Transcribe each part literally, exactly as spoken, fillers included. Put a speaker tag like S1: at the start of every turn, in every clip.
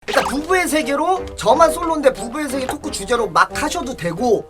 S1: 일단 부부의 세계로 저만 솔로인데 부부의 세계 토크 주제로 막 하셔도 되고.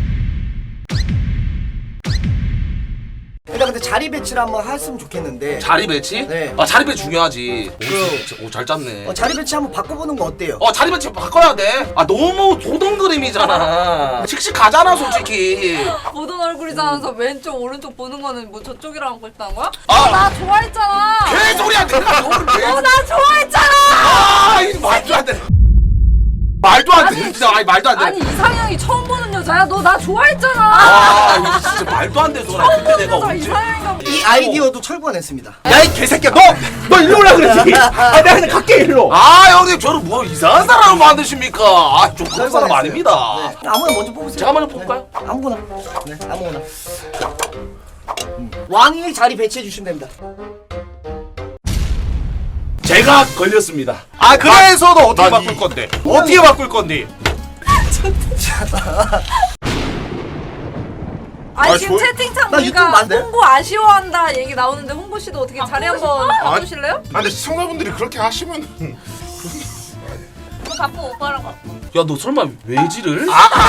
S1: 일단 근데 자리 배치를 한번 했으면 좋겠는데.
S2: 자리 배치?
S1: 네.
S2: 아 자리 배치 중요하지.
S1: 그-
S2: 오 잘 짰네.
S1: 어, 자리 배치 한번 바꿔보는 거 어때요?
S2: 어 자리 배치 바꿔야 돼. 아 너무 도동 그림이잖아. 씩씩하잖아 솔직히.
S3: 보던 얼굴이잖아서 왼쪽 오른쪽 보는 거는 뭐 저쪽이랑 하고 있다는 거야?
S2: 아.
S3: 아, 나 좋아했잖아.
S2: 개소리야 내가 너를 왜?
S3: 어, 나 좋아했잖아.
S2: 아 이거 말도 안 돼. 말도 안 돼. 진짜 아니 말도 안 돼.
S3: 아니 이상형이 처음 보는 여자야. 너 나 좋아했잖아.
S2: 아 이거 진짜 말도 안 돼 소라. 근데 내가
S3: 여자
S2: 언제?
S3: 이상형이가
S1: 이 아이디어도 철권했습니다.
S4: 야 이 개새끼야 너! 너 일로 오라 그랬지? 아 내가 그냥 갈게 일로.
S2: 아 형님 저를 뭐 이상한 사람을 만드십니까? 아좀 그런 사람
S1: 철권했어요.
S2: 아닙니다.
S1: 네. 아무나 먼저 뽑으세요.
S2: 제가 먼저 뽑을까요?
S1: 네. 아무거나. 네, 아무거나. 음. 왕이 자리 배치해 주시면 됩니다.
S4: 제가 걸렸습니다. 아 그래서 너 어떻게 바꿀 건데? 어떻게 바꿀 건데?
S3: 아니
S5: 아,
S3: 지금
S5: 저-
S3: 채팅창
S1: 나 유튜브
S3: 보니까
S1: 안 돼?
S3: 홍보 아쉬워한다 얘기 나오는데 홍보 씨도 어떻게 자리 한번 바꾸실래요?
S5: 아 근데 시청자분들이 그렇게 하시면
S3: 그거 바꾸 오빠랑 바꿔.
S2: 야 너 설마 외지를?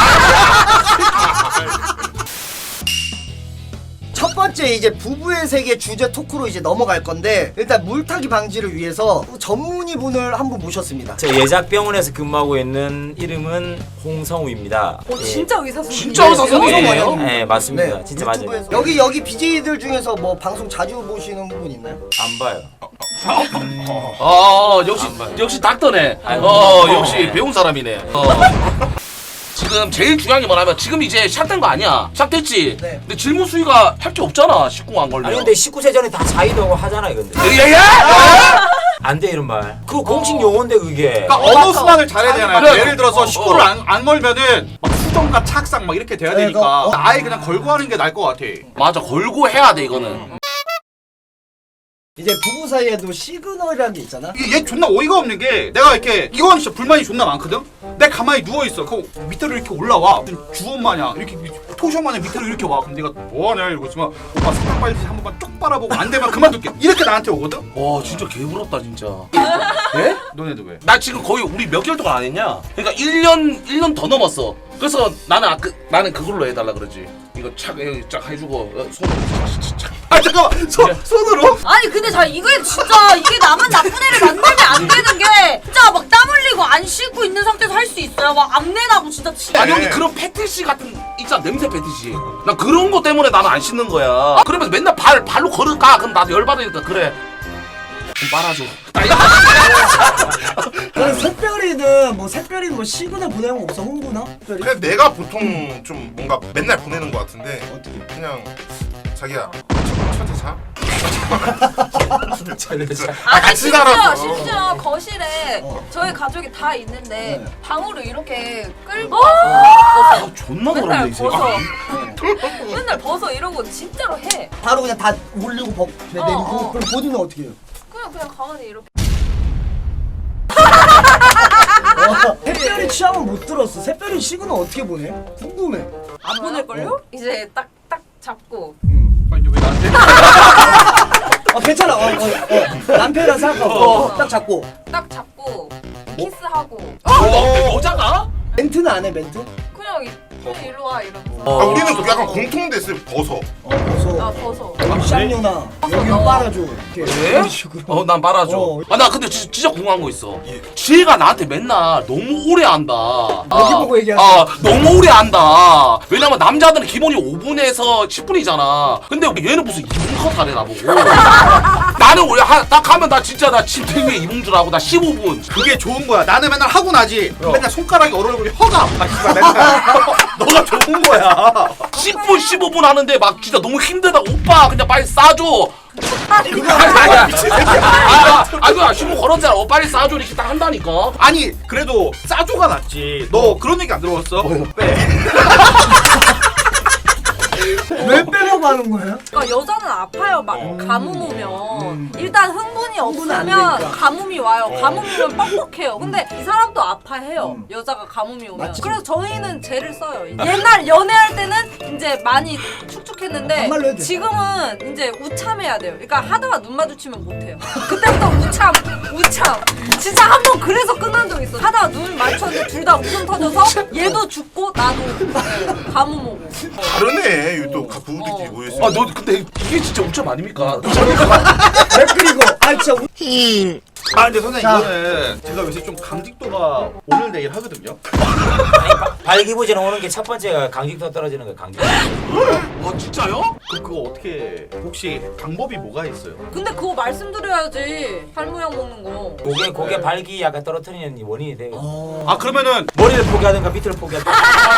S1: 첫 번째 이제 부부의 세계 주제 토크로 이제 넘어갈 건데 일단 물타기 방지를 위해서 전문의분을 한 분 모셨습니다.
S6: 저 예작병원에서 근무하고 있는 이름은 홍성우입니다.
S3: 어
S6: 예.
S3: 진짜 의사 선생님.
S2: 진짜 의사 선생님이에요?
S6: 네 맞습니다. 진짜 맞아요.
S1: 유튜브에서. 여기 여기 비제이들 중에서 뭐 방송 자주 보시는 분 있나요?
S6: 안 봐요.
S2: 아 역시 역시 닥터네. 어 역시 배운 사람이네. 어. 지금 제일 중요한 게 뭐냐면 지금 이제 시작된 거 아니야. 시작됐지.
S1: 네.
S2: 근데 질문 수위가 할 게 없잖아. 십구 안 걸려.
S6: 아니 근데 십구 세 전에 다 자이라고 하잖아요 근데.
S2: 야야!
S6: 안 돼 이런 말. 그거 공식 용어인데 그게.
S4: 그러니까 언어 수단을 잘해야 되잖아요.
S2: 그래.
S4: 예를 들어서
S2: 어,
S4: 식구를
S2: 어.
S4: 안, 안 걸면은 막 수정과 착상 막 이렇게 돼야
S1: 네,
S4: 되니까
S1: 그거-
S4: 아예 그냥 걸고 하는 게 나을 것 같아.
S2: 맞아 걸고 해야 돼 이거는.
S1: 이제 부부 사이에도 시그널이라는 게 있잖아.
S4: 이게 얘 존나 어이가 없는 게 내가 이렇게 이건 진짜 불만이 존나 많거든? 내가 가만히 누워있어. 그 밑으로 이렇게 올라와. 무슨 주원 마냥 이렇게 토션 마냥 밑으로 이렇게 와. 그럼 내가 뭐하냐 이러고 있으면 오빠 사탕 빨리 한 번만 쭉 빨아보고 안 되면 그만둘게. 이렇게 나한테 오거든?
S2: 와 진짜 개부럽다 진짜.
S4: 예? 너네도 왜?
S2: 나 지금 거의 우리 몇 개월 동안 안 했냐? 그러니까 일 년 일 년 더 넘었어. 그래서 나는 아, 그, 나는 그걸로 해달라 그러지. 이거 착, 여기 쫙 해주고 어, 손 착, 착.
S4: 아 잠깐만 손, 손으로?
S3: 아니 근데 자 이게 진짜 이게 나만 나쁜 애를 만들면 안 되는 게 진짜 막 땀 흘리고 안 씻고 있는 상태에서 할 수 있어요. 막 악내 나고 진짜 치.
S2: 아니 형님 그런 패티시 같은 있잖아 냄새 패티시. 나 그런 거 때문에 나는 안 씻는 거야. 그러면서 맨날 발 발로 걸을까? 그럼 나도 열받으니까 그래. 좀 빨아줘.
S1: 그럼 샛별이든 뭐 샛별이든 뭐 시그널 보내는 거 없어 홍보나? 특별히?
S5: 그냥 내가 보통 좀 뭔가 맨날 보내는 것 같은데
S1: 어떻게?
S5: 그냥 자기야 첫째차?
S3: 아니
S5: 같이
S3: 심지어
S5: 살아서.
S3: 심지어 거실에
S1: 어.
S3: 저희 가족이 다 있는데
S1: 네.
S3: 방으로 이렇게 끌고
S2: 아,
S3: 와서
S2: 존나
S3: 맨날
S2: 더럽네 이 새끼.
S3: 벗어. 맨날 벗어 이러고 진짜로 해.
S1: 바로 그냥 다 올리고 버, 내, 내리고
S3: 어.
S1: 그럼 보드는 어떻게 해요?
S3: 그냥 그냥 가만히 이렇게.
S1: 어, 샛별이 취향은 못 들었어. 샛별이 시그널 어떻게 보내? 궁금해.
S3: 안 보낼걸요? 이제 딱 딱 잡고
S4: 아니 왜 나한테?
S1: 어 괜찮아. 어, 어, 어. 남편이랑 생각하고 어, 딱 잡고.
S3: 딱 잡고 키스하고
S2: 어, 여자가?
S1: 멘트는 안 해 멘트?
S3: 그냥 이- 그냥 일로 와 이러면서.
S5: 아 우리는 그 약간 공통됐어요 벗어
S1: 어 벗어.
S3: 아 벗어.
S1: 여기 쌍녀나 여기
S3: 어.
S1: 빨아줘. 이렇게
S2: 왜?
S1: 이런 식으로.
S2: 어, 난 빨아줘.
S1: 어.
S2: 아, 나 근데 지, 진짜 궁금한 거 있어. 지혜가 나한테 맨날 너무 오래 한다.
S1: 여기 보고 얘기하지.
S2: 아, 너무 오래 한다. 왜냐면 남자들은 기본이 오 분에서 십 분이잖아. 근데 얘는 무슨 이 분 컷 하래, 나보고. 나는 원래 하, 딱 하면 나 진짜 나 침대 위에 이봉주라고 나 십오 분.
S4: 그게 좋은 거야. 나는 맨날 하고 나지.
S2: 어.
S4: 맨날 손가락이 얼얼거리 혀가 아파. 씨발 맨날. 너가 좋은 거야.
S2: 십 분, 십오 분 하는데 막 진짜 너무 힘들다. 오빠, 그냥 빨리 싸줘. 그거 아니야. 아, 아, 이거 신문 걸었잖아. 어, 빨리 싸줘. 이렇게 딱 한다니까.
S4: 아니 그래도 싸조가 낫지. 너 그런 얘기 안 들어봤어? 빼.
S1: 왜 빼려고 하는 거야?
S3: 그러니까 여자는 아파요. 막 가뭄 오면 일단 흥분이
S1: 흥분은 안
S3: 없으면
S1: 되니까.
S3: 가뭄이 와요. 가뭄 오면 뻑뻑해요. 근데 이 사람도 아파해요.
S1: 음.
S3: 여자가 가뭄이 오면.
S1: 맞지.
S3: 그래서 저희는 젤을 써요. 옛날 연애할 때는 이제 많이 축축했는데
S1: 반말로 해도 돼.
S3: 지금은 이제 우참해야 돼요. 그러니까 하다가 눈 마주치면 못해요. 그때부터 우참, 우참. 진짜 한 번 그래서 끝난 적 있어요. 있어. 하다가 눈 맞췄는데 둘 다 웃음 터져서 얘도 죽고 나도 가뭄 오고.
S5: 다르네. 이거 또 부부끼리 모여있어.
S2: 아 너 근데 이게 진짜 옥점 아닙니까?
S1: 왜 그리고 아 진짜 우-
S4: 아 근데 선생님
S1: 자.
S4: 이거는 제가 요새 좀 강직도가 오늘 내일 하거든요.
S6: 발기부전 오는 게 첫 번째가 강직도 떨어지는 거 강직도.
S2: 아 진짜요?
S4: 그 그거 어떻게 혹시 방법이 뭐가 있어요?
S3: 근데 그거 말씀드려야지. 살모양 먹는 거.
S6: 고개 고개 발기 약간 떨어뜨리는 원인이 돼.
S1: 어...
S4: 아 그러면은
S6: 머리를 포기하든가 밑을 포기하든가.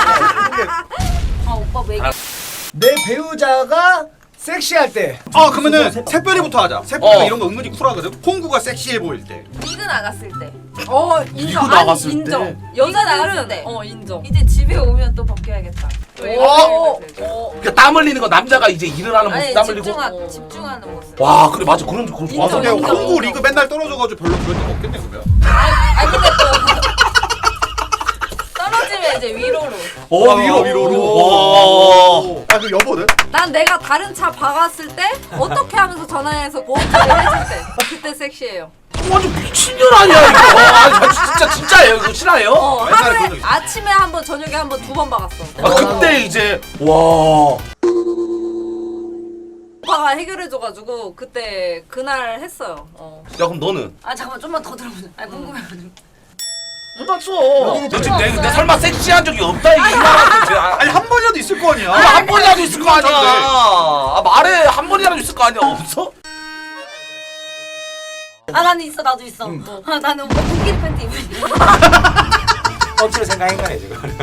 S3: 아 오빠 왜?
S1: 내 배우자가 섹시할 때
S4: 아 그러면은 새별이부터 하자. 새별이
S2: 어.
S4: 이런 거 은근히 쿨하거든. 홍구가 섹시해 보일 때.
S7: 리그 나갔을 때
S3: 어 인정.
S2: 이거
S3: 아니,
S2: 나갔을
S3: 인정.
S2: 때?
S3: 여자들은
S7: 나갔을 때.
S3: 어 인정.
S7: 이제 집에 오면 또 벗겨야겠다.
S3: 어.
S2: 그러니까 땀 흘리는 거 남자가 이제 일을 하는 모습
S7: 아니
S2: 땀 흘리고.
S7: 집중하,
S3: 어.
S7: 집중하는 모습.
S2: 와 그래 맞아 그런 그런
S3: 인정,
S4: 아 근데
S3: 인정.
S4: 홍구 리그 맨날 떨어져가지고 별로 그런 일 없겠네 그러면.
S7: 아니 근데 또 떨어지면 이제 위로로.
S2: 어
S4: 아,
S2: 위로
S4: 위로로.
S2: 와.
S4: 아 그 여보는?
S3: 난 내가 다른 차 박았을 때 어떻게 하면서 전화해서 보험 처리 해줄 때 그때 섹시해요.
S2: 완전 미친년 아니야 이거. 아 진짜 진짜예요 이거 실화예요?
S3: 어
S4: 옛날에 그런 적
S3: 하루에
S4: 있어.
S3: 아침에 한 번 저녁에 한 번 두 번 박았어.
S2: 아 그때 이제 와.
S3: 오빠가 해결해줘가지고 그때 그날 했어요. 어.
S2: 야 그럼 너는?
S7: 아 잠깐만 좀만 더 들어보자. 아 궁금해.
S2: 못 맞춰. 너 지금 내, 내 설마 섹시한 적이 없다 이게 이말한테
S4: 아니 한 번이라도 있을 거 아니야.
S2: 한 번이라도 있을 거 아니야. 아 말해 한 번이라도 있을 거 아니야. 없어?
S7: 아 나는 있어 나도 있어. 아 나는 오빠 코끼리 팬티 입으니까.
S6: 억지로 생각한 거네 지금.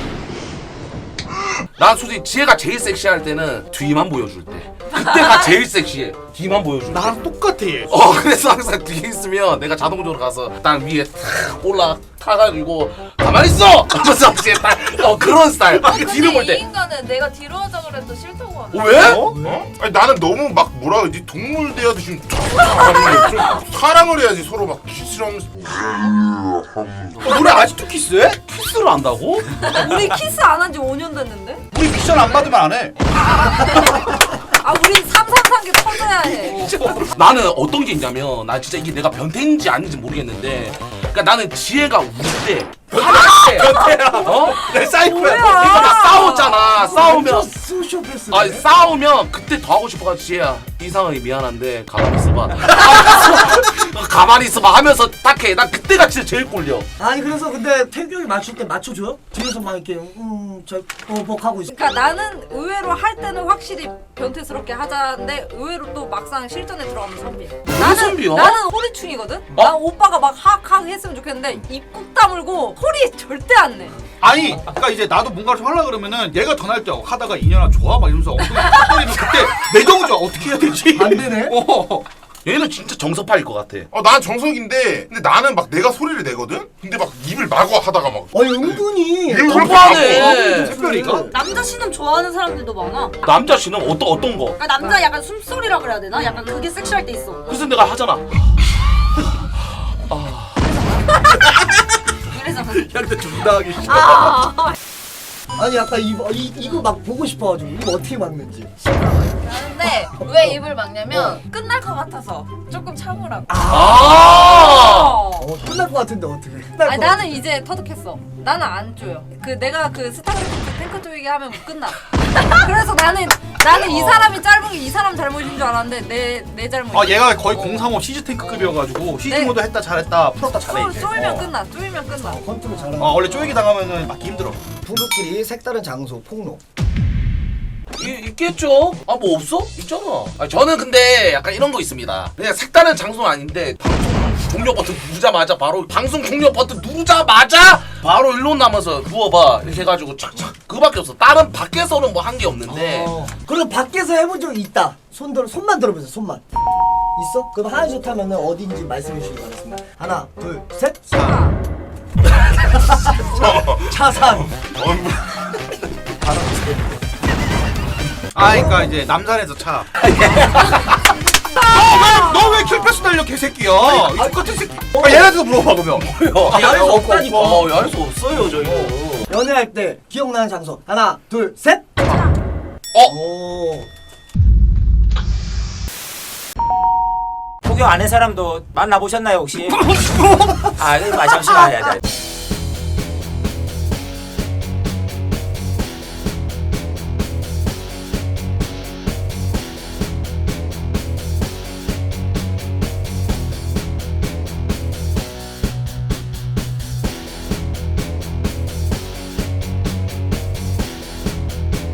S2: 난 솔직히 지혜가 제일 섹시할 때는 뒤만 보여줄 때. 그때가 제일 섹시해. 뒤만 보여줄 때.
S4: 나랑 똑같아 얘.
S2: 어 그래서 항상 뒤에 있으면 내가 자동적으로 가서 땅 위에 탁 올라 타가지고 가만히 있어! 하면서 이제 딱어 그런 스타일. 뒤를 볼
S7: 이
S2: 때.
S7: 인간은 내가 뒤로 하자 그래도 싫다고 하네.
S2: 어, 왜?
S5: 어? 아니 나는 너무 막 뭐라 그러지 동물 대하듯이 좀 하는 좀 사랑을 해야지 서로 막 키스를 하면서
S4: 어, 우리 아직도 키스해?
S2: 키스를 한다고?
S3: 우리 키스 안 한 지 오 년 됐는데?
S4: 우리 미션 안 받으면 안 해.
S3: 아 우린 삼삼삼 개 터져야 해.
S2: 나는 어떤 게 있냐면 나 진짜 이게 내가 변태인지 아닌지 모르겠는데 그러니까 나는 지혜가 울때 변태야 어?
S4: 내 사이코야.
S2: 그러니까 막 싸웠잖아 싸우면
S1: 소시오패스
S2: 아니 싸우면 그때 더 하고 싶어가지고 지혜야 이상하게 미안한데 가만히 있어봐 하면서 가만히 있어봐 하면서 딱해 난 그때가 진짜 제일 꼴려.
S1: 아니 그래서 근데 태규형이 맞출 때 맞춰줘요? 뒤에서 막 이렇게 음저 보복하고 있어.
S3: 그러니까 나는 의외로 할 때는 확실히 변태스럽게 하자는데 의외로 또 막상 실전에 들어가면 선비. 나는
S2: 선비야?
S3: 나는 호리충이거든.
S2: 어?
S3: 난 오빠가 막 하악하악 했으면 좋겠는데 입 꾹 다물고 소리 절대 안 내.
S4: 아니, 그러니까 이제 나도 뭔가를 좀 하려 그러면은 얘가 더 날 때 하다가 인연아 좋아 막 이러면서 엉덩이 탁 때리면 그때 내 정조 어떻게 해야 되지?
S1: 안 되네.
S4: 어.
S2: 얘는 진짜 정서파일 것 같아.
S5: 어 난 정석인데 근데 나는 막 내가 소리를 내거든? 근데 막 입을 마구 하다가 막
S1: 아니 은근히
S5: 이걸
S2: 너무하네.
S4: 특별히가?
S3: 남자 신음 좋아하는 사람들도 많아.
S2: 남자 씨는 어떤 어떤 거?
S3: 그러니까 남자 약간 숨소리라 그래야 되나? 약간 그게 섹시할 때 있어.
S2: 그래서 내가 하잖아.
S3: 그래서
S2: 야 근데 존나 하기 싫어.
S3: 아
S1: 아니 아까 이거 이, 이거 막 보고 싶어가지고 이거 어떻게 막는지.
S7: 근데 왜 입을 막냐면 끝날 것 같아서 조금 참으라고.
S2: 아.
S1: 어 끝날 것 같은데 어떻게? 끝날
S3: 아니
S1: 것
S3: 나는 이제 터득했어. 나는 안 줘요. 그 내가 그 스타크래프트 탱크 조이기 하면 끝나. 그래서 나는 나는 이 사람이 짧은 게 이 사람 잘못인 줄 알았는데 내 내 잘못.
S4: 아 얘가 거의 공삼오 시즈탱크급이어가지고 시즌
S3: 네.
S4: 모드 했다 잘했다 풀었다 잘해
S3: 쏠,
S4: 이제.
S3: 쏠면
S4: 어.
S3: 끝나. 쏠면 끝나.
S1: 같아. 컨트롤 잘하는.
S4: 어 원래 쪼이기 당하면은 맞기 힘들어.
S1: 부부끼리 색다른 장소 폭로.
S2: 이, 있겠죠? 아 뭐 없어? 있잖아. 아, 저는 근데 약간 이런 거 있습니다. 그냥 색다른 장소는 아닌데 방송 종료 버튼 누르자마자 바로 방송 종료 버튼 누르자마자 바로 일로 남아서 누워봐 이렇게 해가지고 착착 그거밖에 없어. 다른 밖에서는 뭐 한 게 없는데
S1: 어. 그리고 밖에서 해본 적 있다. 손 들어 손만 들어보세요. 손만. 있어? 그럼 하나 좋다면은 어딘지 말씀해 주시기 바랍니다. 하나, 둘, 셋.
S3: 아.
S1: 차산.
S4: 아 그러니까 이제 남산에서 차. 너 왜 킬패스 달려 개새끼야? 이 똑같은 새끼. 아 얘한테도 물어봐 그러면.
S2: 아,
S1: 야외에서 없다니까.
S2: 어, 야외에서 없어요 저희.
S1: 연애할 때 기억나는 장소. 하나, 둘, 셋.
S2: 어?
S1: 오.
S6: 구경 안 한 사람도 만나보셨나요 혹시? 아, 아 잠시만. 야, 야.